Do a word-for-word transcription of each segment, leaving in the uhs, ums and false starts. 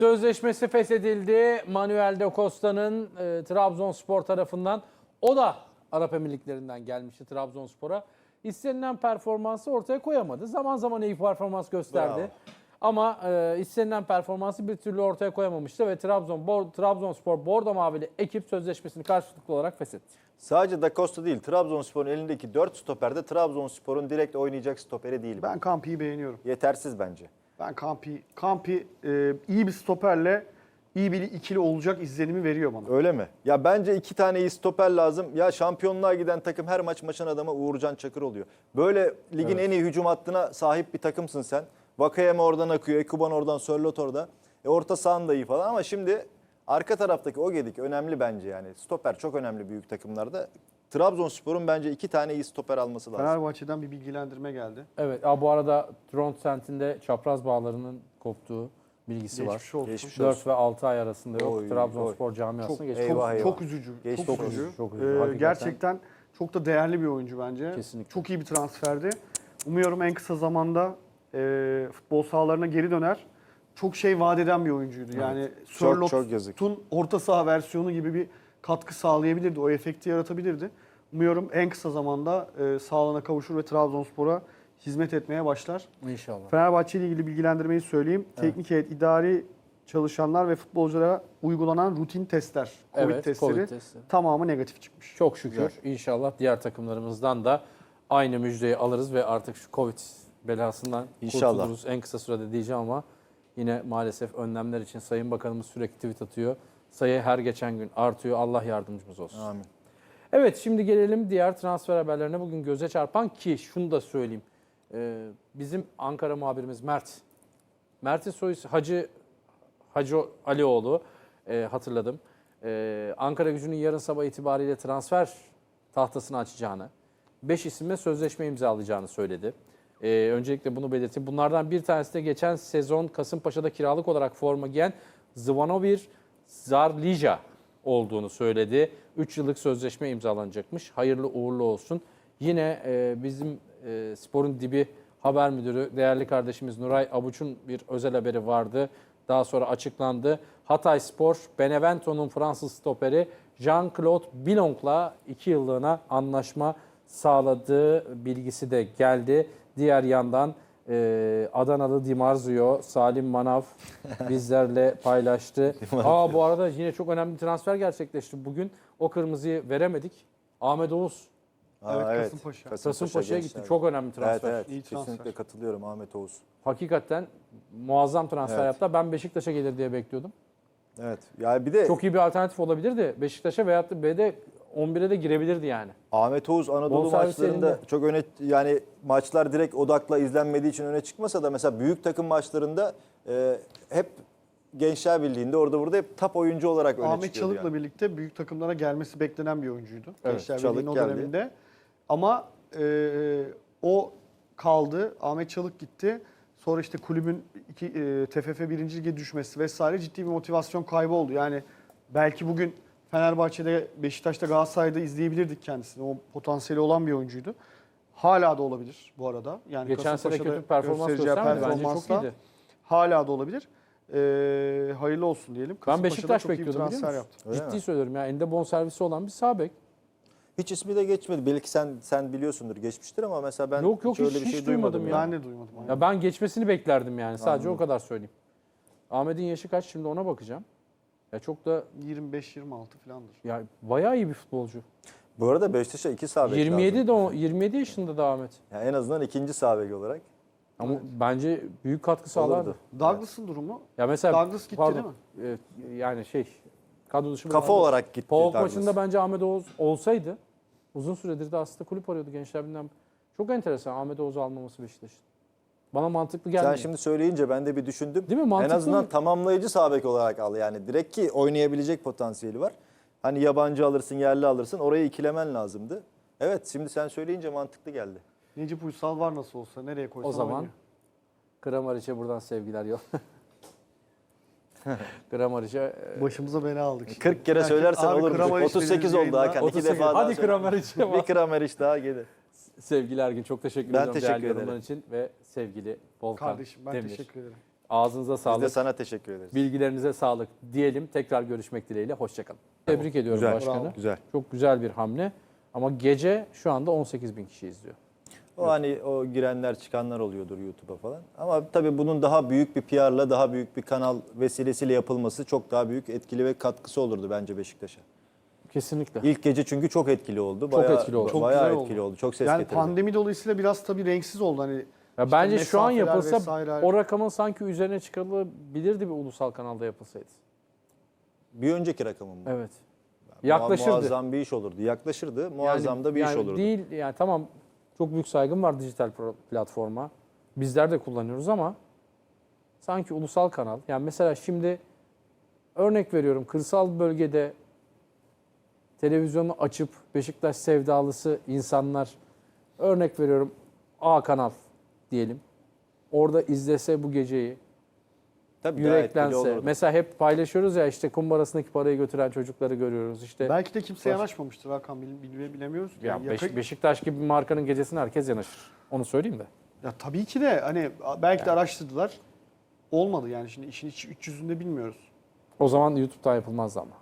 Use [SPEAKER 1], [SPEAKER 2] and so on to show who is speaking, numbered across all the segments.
[SPEAKER 1] Sözleşmesi feshedildi. Manuel de Costa'nın e, Trabzonspor tarafından. O da Arap Emirlikleri'nden gelmişti Trabzonspor'a. İstenilen performansı ortaya koyamadı. Zaman zaman iyi performans gösterdi.
[SPEAKER 2] Bravo.
[SPEAKER 1] Ama e, istenilen performansı bir türlü ortaya koyamamıştı ve Trabzon Bor, Trabzonspor Bordo Mavili ekip sözleşmesini karşılıklı olarak feshetti.
[SPEAKER 2] Sadece Da Costa değil, Trabzonspor'un elindeki dört stoperde Trabzonspor'un direkt oynayacak stoperi değil.
[SPEAKER 3] Ben Campi'yi beğeniyorum.
[SPEAKER 2] Yetersiz bence.
[SPEAKER 3] Ben Campi, Campi e, iyi bir stoperle iyi bir ikili olacak izlenimi veriyor bana.
[SPEAKER 2] Öyle mi? Ya bence iki tane iyi stoper lazım. Ya şampiyonluğa giden takım her maç maçın adamı Uğurcan Çakır oluyor. Böyle ligin
[SPEAKER 1] Evet.
[SPEAKER 2] en iyi hücum hattına sahip bir takımsın sen. Vakayeme oradan akıyor, Ekuban oradan, Sörloth orada. E orta sahan da iyi falan ama şimdi arka taraftaki Ogedik önemli bence yani. Stoper çok önemli büyük takımlarda. Trabzonspor'un bence iki tane iyi stoper alması lazım.
[SPEAKER 3] Fenerbahçe'den bir bilgilendirme geldi.
[SPEAKER 1] Evet, a, bu arada Trondheim'de çapraz bağlarının koptuğu bilgisi
[SPEAKER 3] Geçmiş
[SPEAKER 1] var.
[SPEAKER 3] olsun.
[SPEAKER 2] Geçmiş
[SPEAKER 1] dört ve altı ay arasında yok.
[SPEAKER 2] Oy,
[SPEAKER 1] Trabzonspor
[SPEAKER 3] Çok,
[SPEAKER 1] camiasına geçti.
[SPEAKER 2] Eyvah,
[SPEAKER 3] çok,
[SPEAKER 2] eyvah.
[SPEAKER 3] çok üzücü.
[SPEAKER 2] Geçmiş
[SPEAKER 3] çok
[SPEAKER 2] olsun.
[SPEAKER 3] üzücü.
[SPEAKER 1] Çok üzücü,
[SPEAKER 3] Ee,
[SPEAKER 1] hakikaten.
[SPEAKER 3] gerçekten çok da değerli bir oyuncu bence.
[SPEAKER 1] Kesinlikle.
[SPEAKER 3] Çok iyi bir transferdi. Umuyorum en kısa zamanda e, futbol sahalarına geri döner. Çok şey vaat eden bir oyuncuydu. Yani
[SPEAKER 2] Çok, çok yazık.
[SPEAKER 3] Sörloth'un orta saha versiyonu gibi bir katkı sağlayabilirdi. O efekti yaratabilirdi. Umuyorum en kısa zamanda e, sağlığına kavuşur ve Trabzonspor'a hizmet etmeye başlar.
[SPEAKER 1] İnşallah.
[SPEAKER 3] Fenerbahçe ile ilgili bilgilendirmeyi söyleyeyim. Teknik heyet, idari çalışanlar ve futbolculara uygulanan rutin testler, Covid
[SPEAKER 1] Evet,
[SPEAKER 3] testleri
[SPEAKER 1] Covid testleri.
[SPEAKER 3] tamamı negatif çıkmış.
[SPEAKER 1] Çok şükür. İnşallah diğer takımlarımızdan da aynı müjdeyi alırız ve artık şu Covid belasından
[SPEAKER 2] İnşallah.
[SPEAKER 1] kurtuluruz en kısa sürede diyeceğim ama yine maalesef önlemler için Sayın Bakanımız sürekli tweet atıyor. Sayı her geçen gün artıyor. Allah yardımcımız olsun.
[SPEAKER 2] Amin.
[SPEAKER 1] Evet, şimdi gelelim diğer transfer haberlerine. Bugün göze çarpan ki şunu da söyleyeyim. Ee, bizim Ankara muhabirimiz Mert. Mert'in soyu Hacı Hacı Alioğlu e, hatırladım. Ee, Ankara Gücü'nün yarın sabah itibariyle transfer tahtasını açacağını, beş isimle sözleşme imzalayacağını söyledi. Ee, öncelikle bunu belirteyim. Bunlardan bir tanesi de geçen sezon Kasımpaşa'da kiralık olarak forma giyen Zvanomir Zarlija olduğunu söyledi. üç yıllık sözleşme imzalanacakmış. Hayırlı uğurlu olsun. Yine e, bizim e, Spor'un Dibi haber müdürü değerli kardeşimiz Nuray Abuç'un bir özel haberi vardı. Daha sonra açıklandı. Hatay Spor, Benevento'nun Fransız stoperi Jean-Claude Bilong'la iki yıllığına anlaşma sağladığı bilgisi de geldi. Diğer yandan e, Adanalı Di Marzio, Salim Manav bizlerle paylaştı. Aa, bu arada yine çok önemli bir transfer gerçekleşti. Bugün o kırmızıyı veremedik. Ahmet Oğuz
[SPEAKER 3] Evet,
[SPEAKER 2] Aa,
[SPEAKER 3] Kasımpaşa.
[SPEAKER 1] Kasımpaşa'ya gitti.
[SPEAKER 2] gençler.
[SPEAKER 1] Çok önemli transfer.
[SPEAKER 2] Evet, evet.
[SPEAKER 3] İyi transfer.
[SPEAKER 2] Kesinlikle katılıyorum Ahmet Oğuz.
[SPEAKER 1] Hakikaten muazzam transfer
[SPEAKER 2] Evet.
[SPEAKER 1] yaptı. Ben Beşiktaş'a gelir diye bekliyordum.
[SPEAKER 2] Evet. Yani bir de
[SPEAKER 1] Çok iyi bir alternatif olabilirdi. Beşiktaş'a veyahut da B'de on bire de girebilirdi yani.
[SPEAKER 2] Ahmet Oğuz Anadolu
[SPEAKER 1] Bonservis
[SPEAKER 2] maçlarında
[SPEAKER 1] elinde.
[SPEAKER 2] çok öne yani maçlar direkt odakla izlenmediği için öne çıkmasa da mesela büyük takım maçlarında e, hep Gençler Birliği'nde orada burada hep top oyuncu olarak öne
[SPEAKER 3] Ahmet
[SPEAKER 2] çıkıyordu.
[SPEAKER 3] Çalık'la
[SPEAKER 2] yani.
[SPEAKER 3] birlikte büyük takımlara gelmesi beklenen bir oyuncuydu.
[SPEAKER 2] Evet,
[SPEAKER 3] Gençler
[SPEAKER 2] Çalık
[SPEAKER 3] Birliği'nin o
[SPEAKER 2] geldi.
[SPEAKER 3] döneminde. Ama e, o kaldı. Ahmet Çalık gitti. Sonra işte kulübün iki, e, T F F birinci Lig'e düşmesi vesaire ciddi bir motivasyon kaybı oldu. Yani belki bugün Fenerbahçe'de, Beşiktaş'ta, Galatasaray'da izleyebilirdik kendisini. O potansiyeli olan bir oyuncuydu. Hala da olabilir bu arada. Yani
[SPEAKER 1] Geçen sene
[SPEAKER 3] Kasımpaşa'da
[SPEAKER 1] kötü performans
[SPEAKER 3] göstereceği
[SPEAKER 1] göstermedi. Bence çok
[SPEAKER 3] performansla
[SPEAKER 1] iyiydi.
[SPEAKER 3] hala da olabilir. Ee, hayırlı olsun diyelim.
[SPEAKER 1] Ben
[SPEAKER 3] Kasımpaşa'da
[SPEAKER 1] Beşiktaş
[SPEAKER 3] çok iyi bir
[SPEAKER 1] bekliyordum biliyor
[SPEAKER 3] transfer
[SPEAKER 1] musun?
[SPEAKER 3] yaptı.
[SPEAKER 2] Öyle
[SPEAKER 1] Ciddi
[SPEAKER 2] mi?
[SPEAKER 1] söylüyorum ya. Elinde bonservisi olan bir sağ bek.
[SPEAKER 2] Hiç ismi de geçmedi. Belki sen sen biliyorsundur, geçmiştir ama mesela ben
[SPEAKER 1] Yok, yok,
[SPEAKER 2] öyle
[SPEAKER 1] hiç-
[SPEAKER 2] bir şey
[SPEAKER 1] hiç duymadım ya.
[SPEAKER 3] Ben de duymadım. aynen.
[SPEAKER 1] Ya ben geçmesini beklerdim yani. Sadece
[SPEAKER 2] Anladım.
[SPEAKER 1] o kadar söyleyeyim. Ahmet'in yaşı kaç şimdi ona bakacağım. Ya çok da
[SPEAKER 3] yirmi beş yirmi altı falandır.
[SPEAKER 1] ya bayağı iyi bir futbolcu.
[SPEAKER 2] Bu arada Beşiktaş'a iki sağ bek
[SPEAKER 1] yirmi yedi
[SPEAKER 2] lazım.
[SPEAKER 1] de o, yirmi yedi yaşında da Ahmet.
[SPEAKER 2] Yani en azından ikinci sağ bek olarak
[SPEAKER 1] Ama bence büyük katkı sağlardı.
[SPEAKER 2] olurdu.
[SPEAKER 3] Douglas'ın durumu?
[SPEAKER 1] Ya mesela
[SPEAKER 3] Douglas gitti
[SPEAKER 1] pardon, e, yani şey kadro dışı
[SPEAKER 2] Kafa
[SPEAKER 1] bırakıldı.
[SPEAKER 2] olarak gitti
[SPEAKER 1] PAOK
[SPEAKER 2] Douglas.
[SPEAKER 1] maçında bence Ahmet Oğuz olsaydı uzun süredir de aslında kulüp arıyordu Gençler Birliği'nden. Çok enteresan Ahmet Oğuz'u almaması Beşiktaş'ın. Bana mantıklı gelmiyor.
[SPEAKER 2] Sen şimdi söyleyince ben de bir düşündüm.
[SPEAKER 1] Değil mi?
[SPEAKER 2] En
[SPEAKER 1] Mantıklı
[SPEAKER 2] azından
[SPEAKER 1] mı?
[SPEAKER 2] tamamlayıcı sağ bek olarak al. Yani direkt ki oynayabilecek potansiyeli var. Hani yabancı alırsın, yerli alırsın. Orayı ikilemen lazımdı. Evet, şimdi sen söyleyince mantıklı geldi.
[SPEAKER 3] Necip Uysal var nasıl olsa nereye koysan
[SPEAKER 1] O zaman
[SPEAKER 3] oynuyor.
[SPEAKER 1] Kramariç'e buradan sevgiler yok. Kramariç'e e,
[SPEAKER 3] Başımıza bela aldık. şimdi.
[SPEAKER 2] kırk kere
[SPEAKER 3] Herkes,
[SPEAKER 2] söylersen
[SPEAKER 3] "Abi
[SPEAKER 2] olur.
[SPEAKER 3] Kramaric
[SPEAKER 2] otuz sekiz
[SPEAKER 3] dediğiniz
[SPEAKER 2] oldu
[SPEAKER 3] yayında-
[SPEAKER 2] Hakan.
[SPEAKER 1] otuz
[SPEAKER 2] İki
[SPEAKER 1] sekiz
[SPEAKER 2] defa daha
[SPEAKER 1] Hadi
[SPEAKER 2] söyle.
[SPEAKER 1] Kramariç'e
[SPEAKER 2] Bir
[SPEAKER 1] bak.
[SPEAKER 2] Kramaric daha gelir.
[SPEAKER 1] Sevgili Ergin çok teşekkür
[SPEAKER 2] Ben
[SPEAKER 1] ediyorum
[SPEAKER 2] teşekkür
[SPEAKER 1] değerli yorumlar
[SPEAKER 2] ederim.
[SPEAKER 1] için ve sevgili Volkan
[SPEAKER 3] Kardeşim ben
[SPEAKER 1] Demir.
[SPEAKER 3] teşekkür ederim.
[SPEAKER 1] Ağzınıza
[SPEAKER 2] Biz de
[SPEAKER 1] sağlık.
[SPEAKER 2] sana teşekkür ederiz.
[SPEAKER 1] Bilgilerinize sağlık diyelim. Tekrar görüşmek dileğiyle. Hoşçakalın. Tebrik ediyorum
[SPEAKER 2] Güzel,
[SPEAKER 1] başkanı.
[SPEAKER 2] bravo. Güzel.
[SPEAKER 1] Çok güzel bir hamle. Ama gece şu anda on sekiz bin kişi izliyor.
[SPEAKER 2] O hani o girenler çıkanlar oluyordur YouTube'a falan. Ama tabii bunun daha büyük bir P R'la, daha büyük bir kanal vesilesiyle yapılması çok daha büyük etkili ve katkısı olurdu bence Beşiktaş'a.
[SPEAKER 1] Kesinlikle.
[SPEAKER 2] İlk gece çünkü çok etkili oldu.
[SPEAKER 1] Çok
[SPEAKER 2] Bayağı,
[SPEAKER 1] etkili oldu.
[SPEAKER 3] Çok
[SPEAKER 2] Bayağı
[SPEAKER 3] güzel oldu.
[SPEAKER 2] etkili oldu. Çok ses
[SPEAKER 3] Yani
[SPEAKER 2] getirdi.
[SPEAKER 3] pandemi dolayısıyla biraz tabii renksiz oldu. Hani
[SPEAKER 1] Ya
[SPEAKER 3] işte
[SPEAKER 1] bence şu an
[SPEAKER 3] mesafeler
[SPEAKER 1] yapılsa
[SPEAKER 3] vesaire.
[SPEAKER 1] o rakamın sanki üzerine çıkarılabilirdi bir ulusal kanalda yapılsaydı.
[SPEAKER 2] Bir önceki rakamım bu.
[SPEAKER 1] Evet.
[SPEAKER 2] Mu-
[SPEAKER 1] Yaklaşırdı.
[SPEAKER 2] Muazzam bir iş olurdu. Yaklaşırdı. Muazzam da bir iş
[SPEAKER 1] yani
[SPEAKER 2] olurdu.
[SPEAKER 1] Değil yani tamam çok büyük saygım var dijital pro- platforma. Bizler de kullanıyoruz ama sanki ulusal kanal. Yani mesela şimdi örnek veriyorum kırsal bölgede televizyonu açıp Beşiktaş sevdalısı insanlar örnek veriyorum A kanal diyelim. Orada izlese bu geceyi
[SPEAKER 2] Tabii daha etkili
[SPEAKER 1] yüreklense.
[SPEAKER 2] olurdu.
[SPEAKER 1] Mesela hep paylaşıyoruz ya işte kumbarasındaki parayı götüren çocukları görüyoruz. İşte
[SPEAKER 3] Belki de kimse
[SPEAKER 1] Baş-
[SPEAKER 3] yanaşmamıştır Hakan, bil- bil- bilemiyoruz. ki.
[SPEAKER 1] ya
[SPEAKER 3] Yani
[SPEAKER 1] Beş-
[SPEAKER 3] yakın-
[SPEAKER 1] Beşiktaş gibi bir markanın gecesine herkes yanaşır. Onu söyleyeyim de.
[SPEAKER 3] Ya tabii ki de hani belki de araştırdılar. Olmadı yani, şimdi işin iç, iç yüzünde bilmiyoruz.
[SPEAKER 1] O zaman YouTube'dan yapılmazdı ama.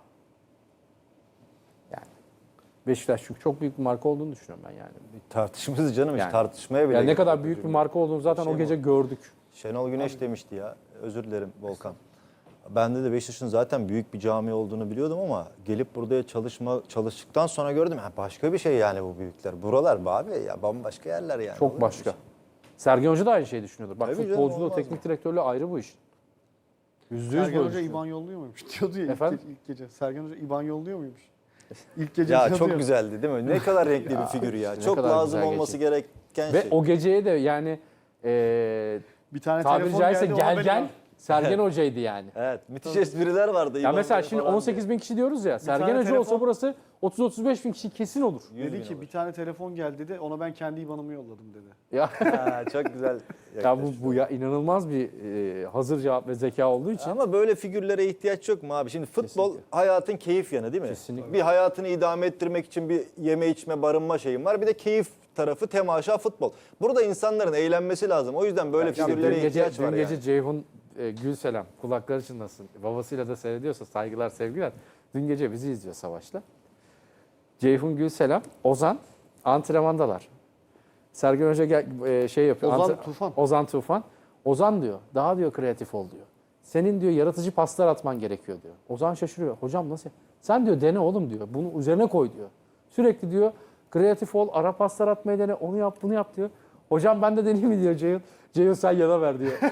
[SPEAKER 1] Yani Beşiktaş çünkü çok büyük bir marka olduğunu düşünüyorum ben yani.
[SPEAKER 2] Tartışmasız canım hiç
[SPEAKER 1] Yani-
[SPEAKER 2] tartışmaya bile
[SPEAKER 1] Yani ne
[SPEAKER 2] gerek
[SPEAKER 1] kadar
[SPEAKER 2] yok.
[SPEAKER 1] büyük bir marka olduğunu zaten
[SPEAKER 2] Şey
[SPEAKER 1] o
[SPEAKER 2] mi
[SPEAKER 1] gece gördük.
[SPEAKER 2] Şenol Güneş demişti ya. Özür dilerim Volkan. Bende de Beşiktaş'ın zaten büyük bir cami olduğunu biliyordum ama gelip burada çalışma çalıştıktan sonra gördüm. Ha, başka bir şey yani bu büyükler. Buralar be abi ya bambaşka yerler yani. Olur
[SPEAKER 1] Çok
[SPEAKER 2] mu
[SPEAKER 1] başka.
[SPEAKER 2] bir şey?
[SPEAKER 1] Sergen Hoca da aynı şeyi düşünüyordur. Bak
[SPEAKER 2] Tabii canım,
[SPEAKER 1] futbolculuğu,
[SPEAKER 2] olmaz
[SPEAKER 1] teknik
[SPEAKER 2] mı?
[SPEAKER 1] direktörlüğü ayrı bu iş. Yüzde yüz
[SPEAKER 3] Sergen
[SPEAKER 1] böyle
[SPEAKER 3] Hoca
[SPEAKER 1] düşünüyorum.
[SPEAKER 3] İban yolluyor muymuş diyordu ya ilk,
[SPEAKER 1] Efendim?
[SPEAKER 3] ge- ilk gece. Sergen Hoca İban yolluyor muymuş? İlk gece
[SPEAKER 2] Ya
[SPEAKER 3] yazıyor.
[SPEAKER 2] çok güzeldi değil mi? Ne kadar renkli bir figür ya.
[SPEAKER 1] ne
[SPEAKER 2] Çok
[SPEAKER 1] kadar
[SPEAKER 2] lazım
[SPEAKER 1] güzel
[SPEAKER 2] olması
[SPEAKER 1] geçti.
[SPEAKER 2] gereken
[SPEAKER 1] Ve
[SPEAKER 2] şey.
[SPEAKER 1] o geceye de yani eee
[SPEAKER 3] Bir tane
[SPEAKER 1] tabiri
[SPEAKER 3] telefon
[SPEAKER 1] caizse
[SPEAKER 3] geldi,
[SPEAKER 1] gel
[SPEAKER 3] ona
[SPEAKER 1] gel
[SPEAKER 3] ben-
[SPEAKER 1] Sergen Hoca'ydı yani.
[SPEAKER 2] Evet, müthiş espriler vardı.
[SPEAKER 1] Ya
[SPEAKER 2] İvan
[SPEAKER 1] mesela
[SPEAKER 2] Bey
[SPEAKER 1] şimdi
[SPEAKER 2] falan
[SPEAKER 1] on sekiz bin kişi diyoruz ya. Sergen
[SPEAKER 3] tane
[SPEAKER 1] Hoca olsa
[SPEAKER 3] telefon-
[SPEAKER 1] burası otuz otuz beş bin kişi kesin olur.
[SPEAKER 2] diye. yüz
[SPEAKER 3] Dedi
[SPEAKER 2] bin
[SPEAKER 3] ki
[SPEAKER 2] olur.
[SPEAKER 3] bir tane telefon geldi dedi, ona ben kendi İban'ımı yolladım dedi.
[SPEAKER 1] Ya,
[SPEAKER 2] Ha, çok güzel.
[SPEAKER 1] ya bu, bu ya inanılmaz bir eee, hazır cevap ve zeka olduğu için.
[SPEAKER 2] Ama böyle figürlere ihtiyaç yok mu abi? Şimdi futbol
[SPEAKER 1] Kesinlikle.
[SPEAKER 2] hayatın keyif yanı değil mi?
[SPEAKER 1] Kesinlikle.
[SPEAKER 2] Bir hayatını idame ettirmek için bir yeme içme barınma şeyim var. Bir de keyif tarafı temaşa futbol. Burada insanların eğlenmesi lazım. O yüzden böyle
[SPEAKER 1] Ya
[SPEAKER 2] figürlere
[SPEAKER 1] dün gece,
[SPEAKER 2] ihtiyaç
[SPEAKER 1] dün
[SPEAKER 2] var
[SPEAKER 1] gece
[SPEAKER 2] yani.
[SPEAKER 1] Ceyhun e, Gülselam kulakları çınlasın. Babasıyla da seyrediyorsa saygılar sevgiler. Dün gece bizi izliyor Savaş'la. Ceyhun Gülselam, Ozan antrenmandalar. Sergen Hoca gel, e, şey yapıyor.
[SPEAKER 3] Ozan
[SPEAKER 1] antre-
[SPEAKER 3] Tufan.
[SPEAKER 1] Ozan Tufan. Ozan diyor daha diyor kreatif ol diyor. Senin diyor yaratıcı paslar atman gerekiyor diyor. Ozan şaşırıyor. Hocam nasıl? Sen diyor dene oğlum diyor. Bunu üzerine koy diyor. Sürekli diyor kreatif ol, ara paslar atmayı dene, onu yap, bunu yap diyor. Hocam ben de deneyeyim mi diyor Ceyhun. Ceyhun sen yana ver diyor.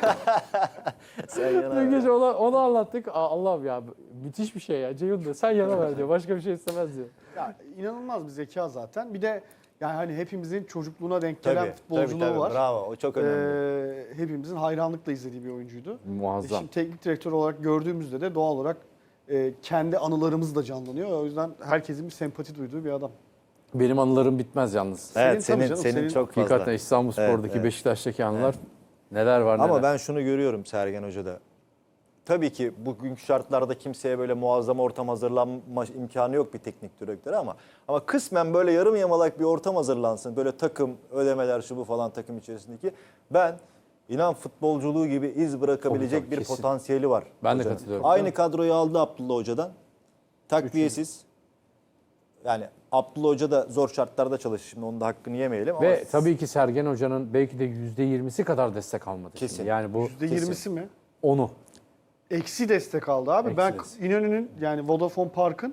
[SPEAKER 2] Sen yana
[SPEAKER 1] Dün
[SPEAKER 2] ver.
[SPEAKER 1] gece ona, onu anlattık. Aa, Allah'ım ya müthiş bir şey ya. Ceyhun diyor sen yana ver diyor. Başka bir şey istemez diyor.
[SPEAKER 3] Ya inanılmaz bir zeka zaten. Bir de yani hani hepimizin çocukluğuna denk gelen
[SPEAKER 2] Tabii,
[SPEAKER 3] futbolculuğu
[SPEAKER 2] tabii, tabii.
[SPEAKER 3] var.
[SPEAKER 2] Bravo. O çok önemli.
[SPEAKER 3] Ee, hepimizin hayranlıkla izlediği bir oyuncuydu. E
[SPEAKER 1] Muazzam.
[SPEAKER 3] Şimdi teknik direktör olarak gördüğümüzde de doğal olarak e, kendi anılarımız da canlanıyor. O yüzden herkesin bir sempati duyduğu bir adam.
[SPEAKER 1] Benim anılarım bitmez yalnız.
[SPEAKER 2] evet,
[SPEAKER 3] senin tabii
[SPEAKER 2] senin
[SPEAKER 3] canım,
[SPEAKER 2] senin,
[SPEAKER 3] senin-
[SPEAKER 2] çok fazla.
[SPEAKER 1] Hakikaten İstanbulspor'daki,
[SPEAKER 2] Evet, evet.
[SPEAKER 1] Beşiktaş'taki anılar neler var neler.
[SPEAKER 2] Ama ben şunu görüyorum Sergen Hoca'da. Tabii ki bugünkü şartlarda kimseye böyle muazzam ortam hazırlanma imkanı yok bir teknik direktöre ama ama kısmen böyle yarım yamalak bir ortam hazırlansın. Böyle takım, ödemeler şu bu falan takım içerisindeki. Ben inan futbolculuğu gibi iz bırakabilecek
[SPEAKER 1] Tabii, tabii,
[SPEAKER 2] bir
[SPEAKER 1] kesin.
[SPEAKER 2] potansiyeli var.
[SPEAKER 1] Ben de
[SPEAKER 2] hocanın.
[SPEAKER 1] katılıyorum.
[SPEAKER 2] Aynı kadroyu aldı Abdullah Hoca'dan. Takviyesiz. Yani Abdullah Hoca da zor şartlarda çalışıyor. Şimdi onun da hakkını yemeyelim ama
[SPEAKER 1] Ve tabii ki Sergen Hoca'nın belki de yüzde yirmisi kadar destek almadı.
[SPEAKER 2] Kesin.
[SPEAKER 1] Şimdi. Yani bu
[SPEAKER 3] yüzde yirmisi mi?
[SPEAKER 1] onu.
[SPEAKER 3] Eksi destek aldı abi.
[SPEAKER 1] Eksi
[SPEAKER 3] ben
[SPEAKER 1] destek.
[SPEAKER 3] İnönü'nün yani Vodafone Park'ın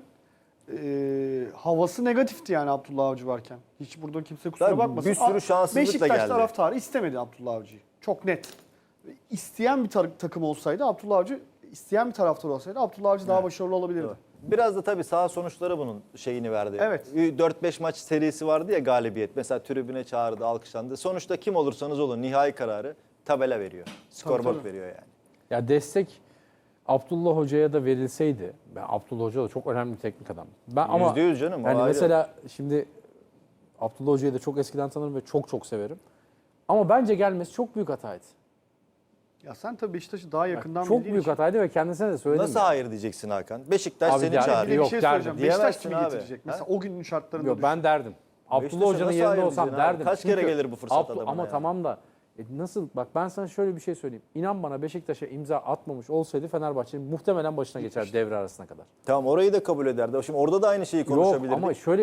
[SPEAKER 3] e, havası negatifti yani Abdullah Avcı varken. Hiç burada kimse kusura
[SPEAKER 2] Tabii,
[SPEAKER 3] bakmasın.
[SPEAKER 2] bir sürü
[SPEAKER 3] Aa,
[SPEAKER 2] şanssızlıkla
[SPEAKER 3] Beşiktaş
[SPEAKER 2] geldi.
[SPEAKER 3] taraftarı istemedi Abdullah Avcı'yı. Çok net. İsteyen bir tar- takım olsaydı Abdullah Avcı, isteyen bir taraftar olsaydı Abdullah Avcı daha başarılı olabilirdi.
[SPEAKER 2] Doğru. Biraz da tabii saha sonuçları bunun şeyini verdi.
[SPEAKER 3] Evet.
[SPEAKER 2] dört beş maç serisi vardı ya galibiyet. Mesela tribüne çağırdı, alkışlandı. Sonuçta kim olursanız olun nihai kararı tabela veriyor. Scoreboard
[SPEAKER 3] tabii.
[SPEAKER 2] veriyor yani.
[SPEAKER 1] Ya destek Abdullah Hoca'ya da verilseydi. Ben Abdullah Hoca da çok önemli bir teknik adam. Ben ama
[SPEAKER 2] Yüzde yüz canım, o
[SPEAKER 1] Yani
[SPEAKER 2] ayrı.
[SPEAKER 1] mesela şimdi Abdullah Hoca'yı da çok eskiden tanırım ve çok çok severim. Ama bence gelmesi çok büyük hataydı.
[SPEAKER 3] Ya sen tabii Beşiktaş'ı daha yakından
[SPEAKER 1] Çok
[SPEAKER 3] bildiğin
[SPEAKER 1] büyük
[SPEAKER 3] için.
[SPEAKER 1] hataydı ve kendisine de söyledim.
[SPEAKER 2] Nasıl
[SPEAKER 1] ya.
[SPEAKER 2] hayır diyeceksin Hakan? Beşiktaş
[SPEAKER 1] Abi
[SPEAKER 2] seni
[SPEAKER 1] ya-
[SPEAKER 3] Bir de
[SPEAKER 2] çağırıyor.
[SPEAKER 3] bir
[SPEAKER 1] Yok
[SPEAKER 3] şey
[SPEAKER 1] derdim.
[SPEAKER 3] söyleyeceğim. Beşiktaş
[SPEAKER 2] Diyemezsin
[SPEAKER 3] kimi
[SPEAKER 2] abi.
[SPEAKER 3] getirecek?
[SPEAKER 2] Ha?
[SPEAKER 3] Mesela o günün şartlarında
[SPEAKER 1] Yok,
[SPEAKER 3] düşün.
[SPEAKER 1] ben derdim. Abdullah
[SPEAKER 2] Beşiktaş'a
[SPEAKER 1] Hoca'nın
[SPEAKER 2] nasıl
[SPEAKER 1] yerinde
[SPEAKER 2] hayır
[SPEAKER 1] olsam
[SPEAKER 2] diyeceksin abi?
[SPEAKER 1] derdim.
[SPEAKER 2] Kaç kere
[SPEAKER 1] Çünkü
[SPEAKER 2] gelir bu fırsat
[SPEAKER 1] Abdu-
[SPEAKER 2] adamına
[SPEAKER 1] Ama
[SPEAKER 2] ya?
[SPEAKER 1] tamam da E nasıl? Bak ben sana şöyle bir şey söyleyeyim. İnan bana Beşiktaş'a imza atmamış olsaydı Fenerbahçe'nin muhtemelen başına geçer devre arasına kadar.
[SPEAKER 2] Tamam orayı da kabul ederdi. Şimdi orada da aynı şeyi konuşabilirdik.
[SPEAKER 1] Yok ama şöyle